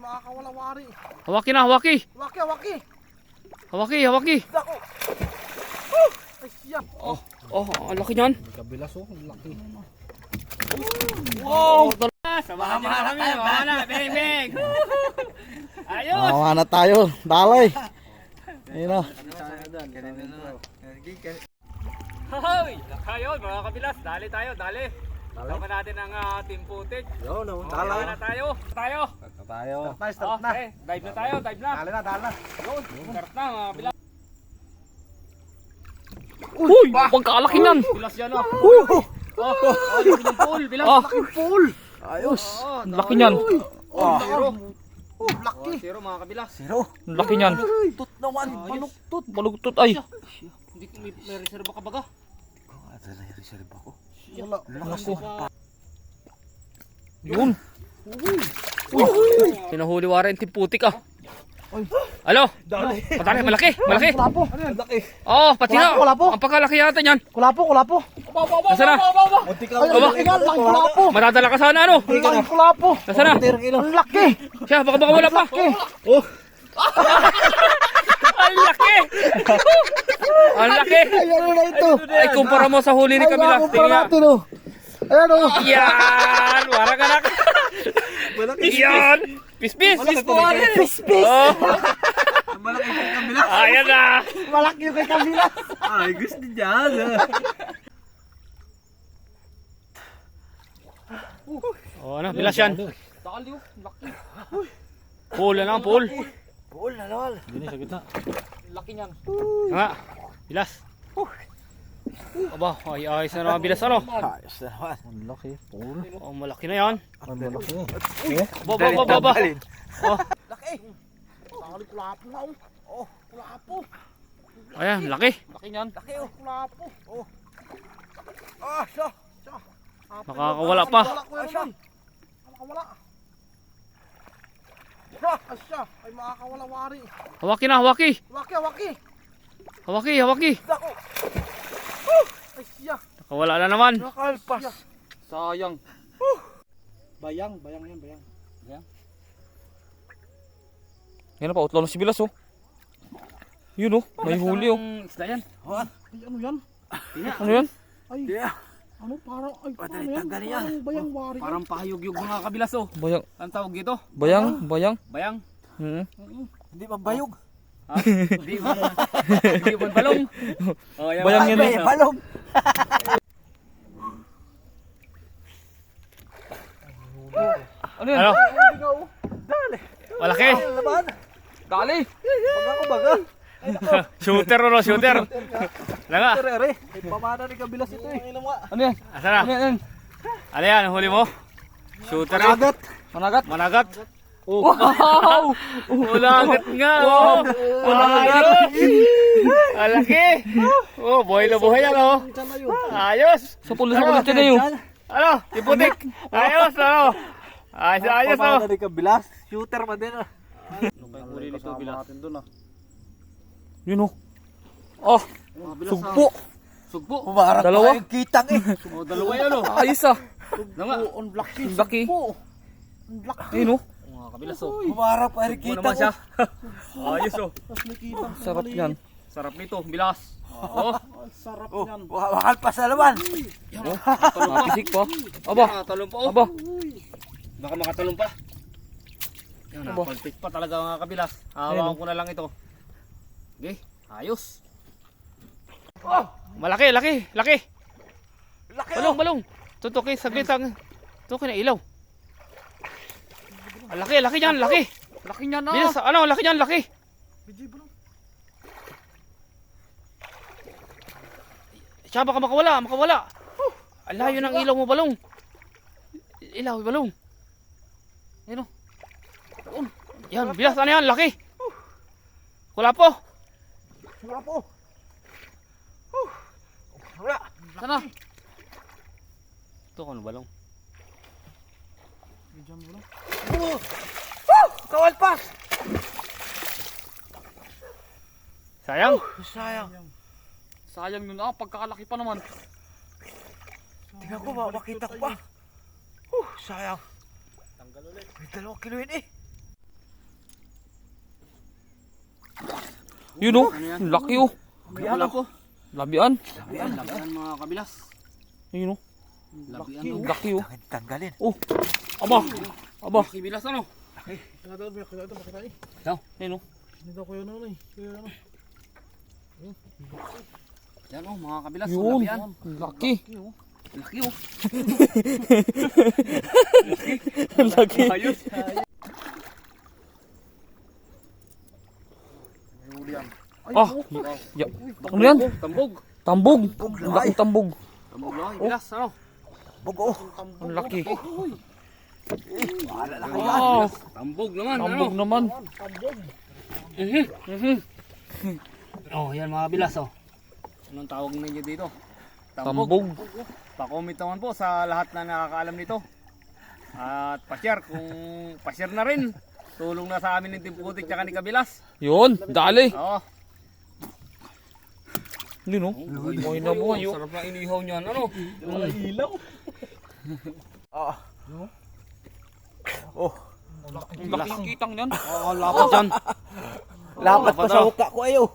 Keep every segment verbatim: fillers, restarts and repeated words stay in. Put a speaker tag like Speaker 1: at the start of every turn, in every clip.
Speaker 1: makakawala-wari.
Speaker 2: Hawaki na, hawaki.
Speaker 1: Hawaki, hawaki.
Speaker 2: Hawaki, hawaki.
Speaker 1: Dako. Oh, ay siya.
Speaker 2: Oh, oh, ang laki niyan.
Speaker 1: Kabilas oh, ang laki.
Speaker 2: Wow! Samahan niyo na kami. Samahan na. Beng, beng. Ayos!
Speaker 1: Samahan na tayo. Dalay. Ayun o.
Speaker 2: Hoy! Ayun, mga kabilas. Dali tayo, dali. Sama natin ang uh, team footage.
Speaker 1: Yo, no,
Speaker 2: Oh,
Speaker 1: dalay.
Speaker 2: na tayo. Tayo.
Speaker 1: Tayo. Start na,
Speaker 2: Oh,
Speaker 1: start na.
Speaker 2: okay. Dive na tayo, dive na.
Speaker 1: Dali na, dali na.
Speaker 2: Yun, start na mga kabilas. Uy! Pagkalaki niyan! Bilas yan oh! Oh! Oh! Laki ng pool! Bilas!
Speaker 1: Laking pool. Ayos.
Speaker 2: Laki niyan!
Speaker 1: Oh,
Speaker 2: Zero!
Speaker 1: Oh, laki.
Speaker 2: Zero mga kabilas!
Speaker 1: Zero.
Speaker 2: Laki niyan!
Speaker 1: Tut naman.
Speaker 2: Baluktot! Baluktot ay! Hindi ko may, may reserva ka baga?
Speaker 1: Ito na yung reserve ako. Wala.
Speaker 2: Naku! Yun! Uy! Sinahuli waran yung putik ah! Alo!
Speaker 1: Dali.
Speaker 2: Patali! Malaki! Malaki!
Speaker 1: Kulapo. Ano yan? Laki.
Speaker 2: Oh! Pati na!
Speaker 1: Kulapo, kulapo.
Speaker 2: Ang pagkalaki yata niyan!
Speaker 1: Kulapo, kulapo.
Speaker 2: Nasaan na?
Speaker 1: Munti ka. Ay, ang laki nga. Laking kulapo.
Speaker 2: Matadala ka sana ano?
Speaker 1: Ang laking kulapo.
Speaker 2: Nasaan na?
Speaker 1: Ang laki.
Speaker 2: Siya! Baka baka wala pa!
Speaker 1: Laki.
Speaker 2: Oh! Ang laki! Ang laki!
Speaker 1: Ay, ano na ito?
Speaker 2: Ay, kumpara mo sa huli ni
Speaker 1: Ay,
Speaker 2: Camila.
Speaker 1: nakumpara natin oh. Ayan oh.
Speaker 2: Yan! Warang anak! Yan! Pispis!
Speaker 1: Pispis.
Speaker 2: Oh!
Speaker 1: Malaki yung kabila.
Speaker 2: Ayan na!
Speaker 1: Malaki yung kay kabila.
Speaker 3: Ay, gusto dyan.
Speaker 2: Oh, ano? Bilas yan. Dali oh. Laki. Pool na lang, pool.
Speaker 1: Pool na lol.
Speaker 2: Dini sa gitna. Laki niyan. Nga. Bilas. Aba, ay ayos na naman bilas ano?
Speaker 1: Ayos na naman. Ang laki. Pool.
Speaker 2: Oh, malaki na yan.
Speaker 1: Ang malaki.
Speaker 2: Ba, ba, ba, ba, ba. Oh,
Speaker 1: Laki. Tali kulapo na oh. Oh, kulapo.
Speaker 2: ayan, laki. Laki niyan.
Speaker 1: Laki oh. Kulapo. Oh. Ah, siya. Siya.
Speaker 2: Nakakawala pa.
Speaker 1: Ah, siya. Nakakawala. Ah, siya. Ay makakawala-wari.
Speaker 2: Hawaki na, hawaki.
Speaker 1: Hawaki, hawaki.
Speaker 2: Hawaki, hawaki.
Speaker 1: Dako. Oh, ay siya.
Speaker 2: Nakawala na naman.
Speaker 1: Nakalpas.
Speaker 2: Sayang.
Speaker 1: Bayang, bayang yan, bayang.
Speaker 2: Yan na pa, utlaw na si Bilas oh. Yun oh, may huli oh.
Speaker 3: Isda yan.
Speaker 1: Ay, ano yan?
Speaker 2: Ano yan?
Speaker 1: Ay,
Speaker 3: Yeah.
Speaker 1: ano parang, ay,
Speaker 3: Pwede
Speaker 1: paano yan?
Speaker 3: tanggalin yan.
Speaker 1: Parang bayang wari.
Speaker 3: Parang pahayog-yog mga kabilas oh.
Speaker 2: Bayang,
Speaker 3: Ang tawag dito?
Speaker 2: bayang, bayang.
Speaker 3: Bayang.
Speaker 2: Hmm.
Speaker 1: Hindi ba bayog?
Speaker 3: Ha? Hindi ba? Hindi ba balong? Oh, yan.
Speaker 2: Bayang yan
Speaker 1: Ay,
Speaker 2: eh.
Speaker 1: balong.
Speaker 2: Ano yan? Ano?
Speaker 1: Dali.
Speaker 2: Malaki.
Speaker 1: Laban.
Speaker 2: Dali.
Speaker 1: Baga ko baga.
Speaker 2: Shooter o no, shooter. Langa.
Speaker 1: Tere, ay pamana ni kabilas ito eh.
Speaker 2: Ano yan? Asa na? Ano yan? Ano yan? Huli mo? Shooter eh.
Speaker 1: Managat.
Speaker 2: Managat? Managat. Oh. Wow! Managat nga oh. Managat. Malaki. Oh, buhay na buhay yan oh. Ayos. Sa pulo sa pulo ito na yun. Ano? Tiputik. Ayos ano? Ayos ayos oh.
Speaker 1: Pamana ni kabilas. Shooter man din ah.
Speaker 2: Ano ba yung huli nito Bilas?
Speaker 1: natin doon ah.
Speaker 2: Yun oh. Oh, sugpo.
Speaker 3: Sugpo.
Speaker 1: Pumarap
Speaker 2: Dalawa?
Speaker 1: pa yung kitang eh.
Speaker 3: Oh, dalawa yan oh.
Speaker 2: Ayos ah.
Speaker 3: Nga.
Speaker 1: On black eh.
Speaker 2: Ang laki.
Speaker 1: On black.
Speaker 2: Ayun oh.
Speaker 3: Mga kabilas oh.
Speaker 1: Pumarap pa yung
Speaker 3: Sugpo
Speaker 1: kitang.
Speaker 3: naman siya. Ayos oh.
Speaker 1: Tapos may kitang.
Speaker 2: Sarap yan.
Speaker 3: Sarap nito, Bilas. Oh.
Speaker 1: Sarap
Speaker 3: Oh.
Speaker 1: yan. Wakal pa sa laman.
Speaker 2: Mapisik pa. Aba.
Speaker 3: Nakatalong pa oh.
Speaker 2: Aba.
Speaker 3: Baka makatalong pa. Yan,
Speaker 2: Aba.
Speaker 3: napalpit pa talaga mga kabilas. Hawakan ko na lang ito. Okay, ayos.
Speaker 2: Oh, malaki, laki, laki.
Speaker 1: Laki
Speaker 2: Balong, balong. Tutukin, saglit ang. Tutukin na ilaw. Ang laki, laki niyan, laki.
Speaker 3: Laki niya na.
Speaker 2: Bilas, ano, laki niyan, laki. Siya, baka makawala, makawala. Ang layo ng ilaw mo, balong. Ilaw, balong. Yan o. Yan, bilas, ano yan, laki. Wala po.
Speaker 1: Wala po. Wala.
Speaker 2: Sana? Ito kung ano balong.
Speaker 1: Oh! Oh! Kawal pa!
Speaker 2: Sayang.
Speaker 1: Sayang.
Speaker 2: Sayang yun ah, pagkakalaki pa naman.
Speaker 1: Tingnan ko ba, makita ko pa. Oh, sayang.
Speaker 3: Tanggal ulit.
Speaker 1: May dalawang kilo yun eh.
Speaker 2: Yun oh, laki oh.
Speaker 3: Wala po.
Speaker 2: Labian.
Speaker 3: Labian, labian mga kabilas.
Speaker 2: Yun oh,
Speaker 3: Labian
Speaker 1: Laki,
Speaker 3: oh.
Speaker 2: laki oh.
Speaker 1: Tangin- Tanggalin.
Speaker 2: Oh, aba, aba.
Speaker 3: Laki bilas ano?
Speaker 4: Kaya daw, kaya daw, makita eh.
Speaker 2: Yun oh.
Speaker 4: Hindi daw kuya ano eh. Kuya ano.
Speaker 3: Yan oh mga kabilas.
Speaker 2: Yun,
Speaker 3: Labian.
Speaker 2: laki.
Speaker 3: Laki oh.
Speaker 2: Laki.
Speaker 3: Ayos.
Speaker 2: Ah, ya. Ano yan?
Speaker 3: Tambog.
Speaker 2: Tambog.
Speaker 1: Bug,
Speaker 2: Ang
Speaker 1: laki.
Speaker 2: laking tambog.
Speaker 3: Tambog laki. Bilas ano?
Speaker 1: Bug, oh.
Speaker 2: Ang laki.
Speaker 1: Wala lang.
Speaker 2: Wow,
Speaker 3: Tambog naman
Speaker 2: tambog
Speaker 3: ano?
Speaker 2: naman.
Speaker 3: Mhm. Mhm. Oh, yan mga bilas oh. Anong tawag ninyo dito?
Speaker 2: Tambog.
Speaker 3: Pa-comment naman po sa lahat na nakakaalam nito. At pa-share kung pa-share na rin. Tulong na sa amin ng Team Putik tsaka ni Kabilas.
Speaker 2: Yun, dali.
Speaker 3: Oo.
Speaker 2: Yun oh. Buhay na buhay oh.
Speaker 3: Sarap na inihaw niyan. Ano?
Speaker 4: Ilaw.
Speaker 1: Ah. Oh.
Speaker 2: Ang laking kitang yan.
Speaker 3: Oo, lapad dyan.
Speaker 1: Lapat pa sa uka ko ayo.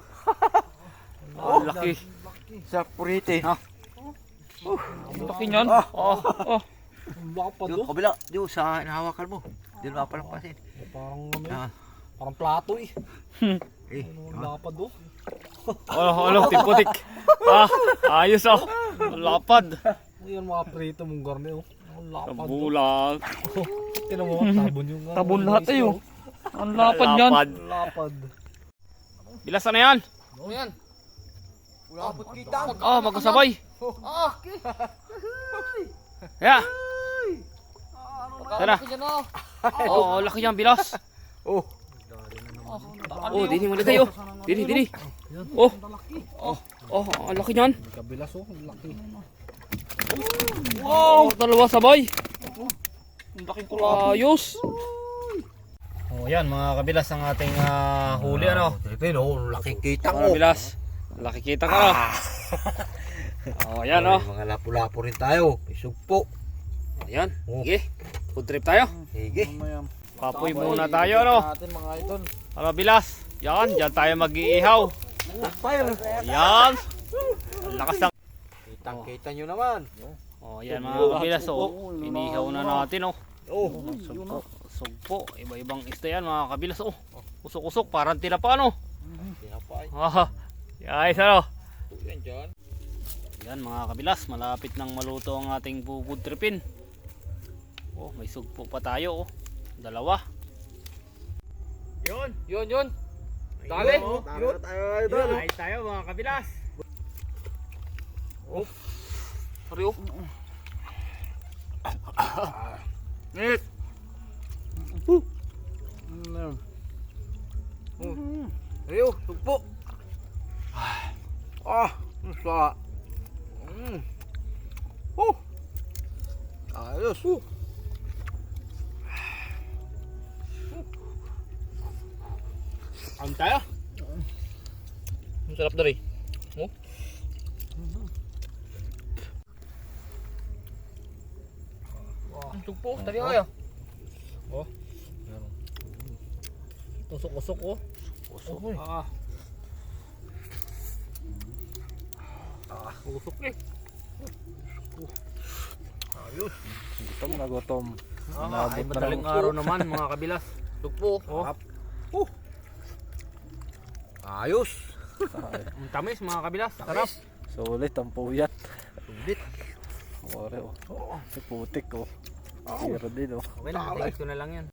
Speaker 3: Oh, laki.
Speaker 1: Sa purite.
Speaker 3: Ha?
Speaker 2: Ang laki niyan. Oh, oh.
Speaker 4: Ang lapad
Speaker 1: Yung
Speaker 4: oh.
Speaker 1: kabila, yung sa nahawakan mo. Diyan mapalampasin.
Speaker 4: Parang ano eh.
Speaker 1: Ah.
Speaker 4: Parang plato eh.
Speaker 1: Eh.
Speaker 4: Ang lapad oh.
Speaker 2: Oh, ano, Team Putik. Ah, ayos oh. Lapad.
Speaker 4: Ayan mga prito mong garne oh. Ang lapad oh.
Speaker 2: Tabulag.
Speaker 4: Tinan mo, tabon yung ano,
Speaker 2: Tabon
Speaker 4: yung
Speaker 2: lahat
Speaker 4: isda,
Speaker 2: eh
Speaker 4: oh.
Speaker 2: oh. Ang lapad yan.
Speaker 4: Ang lapad.
Speaker 2: Bilas na yan.
Speaker 3: Ano yan?
Speaker 1: Lapot kita.
Speaker 2: Ah, magkasabay. Yeah. Tara. Oh, laki yan, bilas.
Speaker 1: Oh.
Speaker 2: Oh, dini mo na tayo. Dini, dini. Oh. Oh, oh, ang laki niyan.
Speaker 4: Kabilas oh, ang laki.
Speaker 2: Wow, dalawa sabay. Ang laking kulayos.
Speaker 3: Oh, yan mga kabilas ang ating ah, huli ano.
Speaker 1: Tripin, oh. Laking kita
Speaker 2: Mga
Speaker 1: ko.
Speaker 2: bilas. Laki kita ka no. Oh, yan oh.
Speaker 1: Mga lapu-lapu rin tayo. May sugpo.
Speaker 2: Ayan.
Speaker 1: Oh.
Speaker 2: Sige. Food trip tayo.
Speaker 1: Sige.
Speaker 4: Mamaya.
Speaker 2: Papoy muna tayo no.
Speaker 4: Natin mga idol.
Speaker 2: Ano bilas? Yan, diyan tayo mag-iihaw.
Speaker 1: Fire.
Speaker 2: Yan. Ang lakas ng...
Speaker 1: Kitang-kita nyo naman.
Speaker 2: Oh, yan mga kabilas oh. Inihaw na natin oh.
Speaker 1: Oh.
Speaker 2: Sugpo. Sugpo. Iba-ibang isda yan mga kabilas oh. Usok-usok parang tinapa no.
Speaker 1: Tinapay.
Speaker 2: Ah, guys ano?
Speaker 1: Yan dyan.
Speaker 2: Yan mga kabilas, malapit nang maluto ang ating food tripin. Oh, may sugpo pa tayo oh. Dalawa. Yun, yun, yun. Dali.
Speaker 1: Oh, tara na tayo idol.
Speaker 2: Yun, ayos tayo mga kabilas. Oh. Sorry oh. Nit.
Speaker 4: Mm.
Speaker 1: Ayo, sugpo. Ah, ang sa. Mm. Oh. Ayos. Uh.
Speaker 2: Ang tayo. Ang sarap dari. Oh. Ang sugpo, tali kayo.
Speaker 4: Usok-usok oh.
Speaker 1: Usok.
Speaker 2: Ah. Ah, usok eh.
Speaker 1: Ayos.
Speaker 4: Gutom na gutom.
Speaker 2: Ah, ay madaling araw naman mga kabilas. Sugpo. Oh.
Speaker 1: Ayos.
Speaker 2: Ang tamis mga kabilas. Sarap.
Speaker 4: Sulit ang puyat.
Speaker 1: Sulit.
Speaker 4: Ore oh. Si putik oh. Pero din oh.
Speaker 2: Okay na, tingis ko na lang yan.